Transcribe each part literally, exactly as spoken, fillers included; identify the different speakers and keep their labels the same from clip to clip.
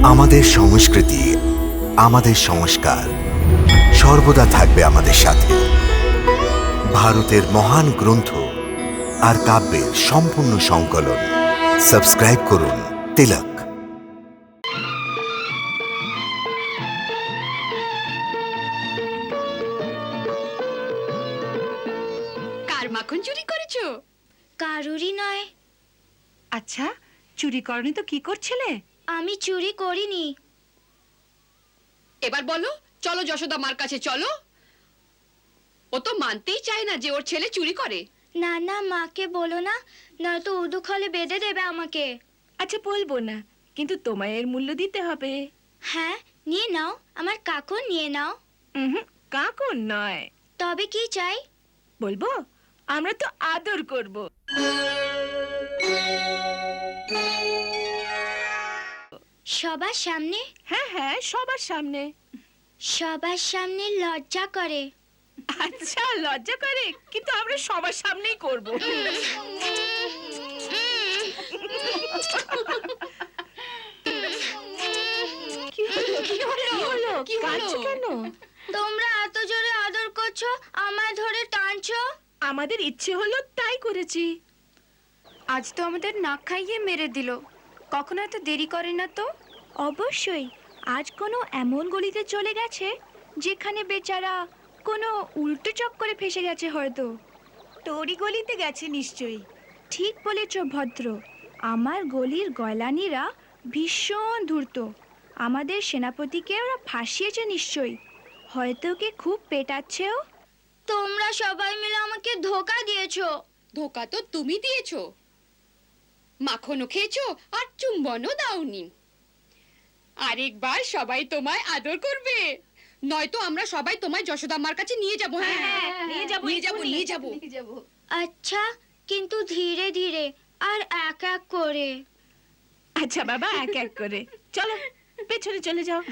Speaker 1: আমাদের সংস্কৃতি, আমাদের সংস্কার সর্বদা থাকবে আমাদের সাথে। ভারতের মহান গ্রন্থ আর কাব্যের সম্পূর্ণ সংকলন। সাবস্ক্রাইব করুন তিলক।
Speaker 2: কার মাখন চুরি করেছো?
Speaker 3: কারুরই নয়।
Speaker 4: আচ্ছা, চুরি করনি তো কি করছিলে?
Speaker 3: আমি চুরি করিনি।
Speaker 2: এবার বলো, চলো যশোদা মার কাছে চলো। ও তো মানতেই চায় না যে ওর ছেলে চুরি করে।
Speaker 3: না না, মাকে বলো না, নয়তো উদুখলে বেঁধে দেবে আমাকে।
Speaker 4: আচ্ছা বলবো না, কিন্তু তোমায় এর মূল্য দিতে হবে।
Speaker 3: হ্যাঁ, নিয়ে নাও, আমার কাকু নিয়ে নাও।
Speaker 4: হুম, কাকুর নয়।
Speaker 3: তবে কি চাই?
Speaker 4: বলবো, আমরা তো আদর করব।
Speaker 3: সবার সামনে?
Speaker 4: হ্যাঁ হ্যাঁ, সবার সামনে।
Speaker 3: সবার সামনে লজ্জা করে।
Speaker 4: আচ্ছা, লজ্জা করে, কিন্তু আমরা সবার সামনেই করব। কি হলো? কি হলো?
Speaker 2: কি হলো?
Speaker 4: কাঁদছো কেন?
Speaker 3: তোমরা এত জোরে আদর করছো, আমায় ধরে টানছো।
Speaker 4: আমাদের ইচ্ছে হলো তাই করেছি।
Speaker 3: আজ তো আমাদের নাক খাইয়ে মেরে দিল। কখনো এত দেরি করে না তো? অবশ্যই, আজ কোনো এমন গলিতে চলে গেছে যেখানে বেচারা কোনো উল্টো চক্করে ফেসে গেছে হয়তো।
Speaker 4: তোরই গলিতে গেছে নিশ্চয়ই।
Speaker 3: ঠিক বলেছ ভদ্র, আমার গলির গয়লানিরা ভীষণ ধূর্ত। আমাদের সেনাপতিকে ওরা ফাঁসিয়েছে নিশ্চয়ই, হয়তো ওকে খুব পেটাচ্ছেও। তোমরা সবাই মিলে আমাকে ধোকা দিয়েছো।
Speaker 2: ধোকা তো তুমি দিয়েছো। মাখনও খেয়েছো আর চুম্বনও দাওনি। আরেকবার সবাই তোমায় আদর করবে, নয়তো আমরা সবাই তোমায় যশোদা মার কাছে নিয়ে যাবো। হ্যাঁ,
Speaker 4: নিয়ে যাবো,
Speaker 2: নিয়ে যাবো,
Speaker 4: এক্ষুনি।
Speaker 2: নিয়ে যাবো।
Speaker 3: আচ্ছা, কিন্তু ধীরে ধীরে আর এক এক করে।
Speaker 4: আচ্ছা বাবা, এক এক করে চলো, পেছনে চলে যাও।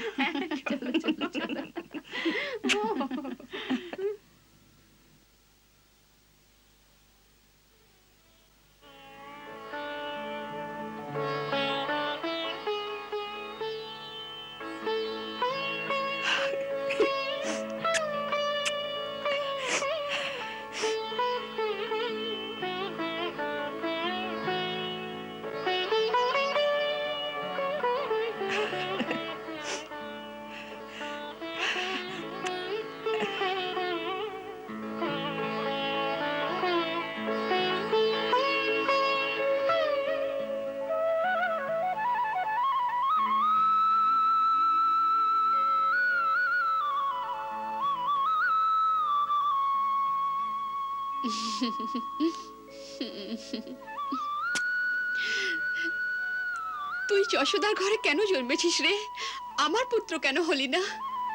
Speaker 2: তুই যশোদার ঘরে কেন জন্মেছিস রে? আমার পুত্র কেন হলি না?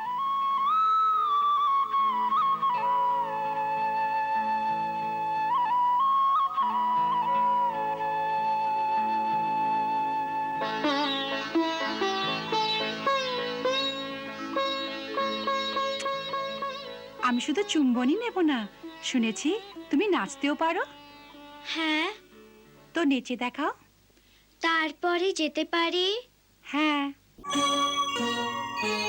Speaker 4: আমি শুধু চুম্বনই নেব না, শুনেছি তুমি নাচতেও পারো।
Speaker 3: হ্যাঁ,
Speaker 4: তো নেচে দেখাও।
Speaker 3: তারপরে যেতে পারি।
Speaker 4: হ্যাঁ।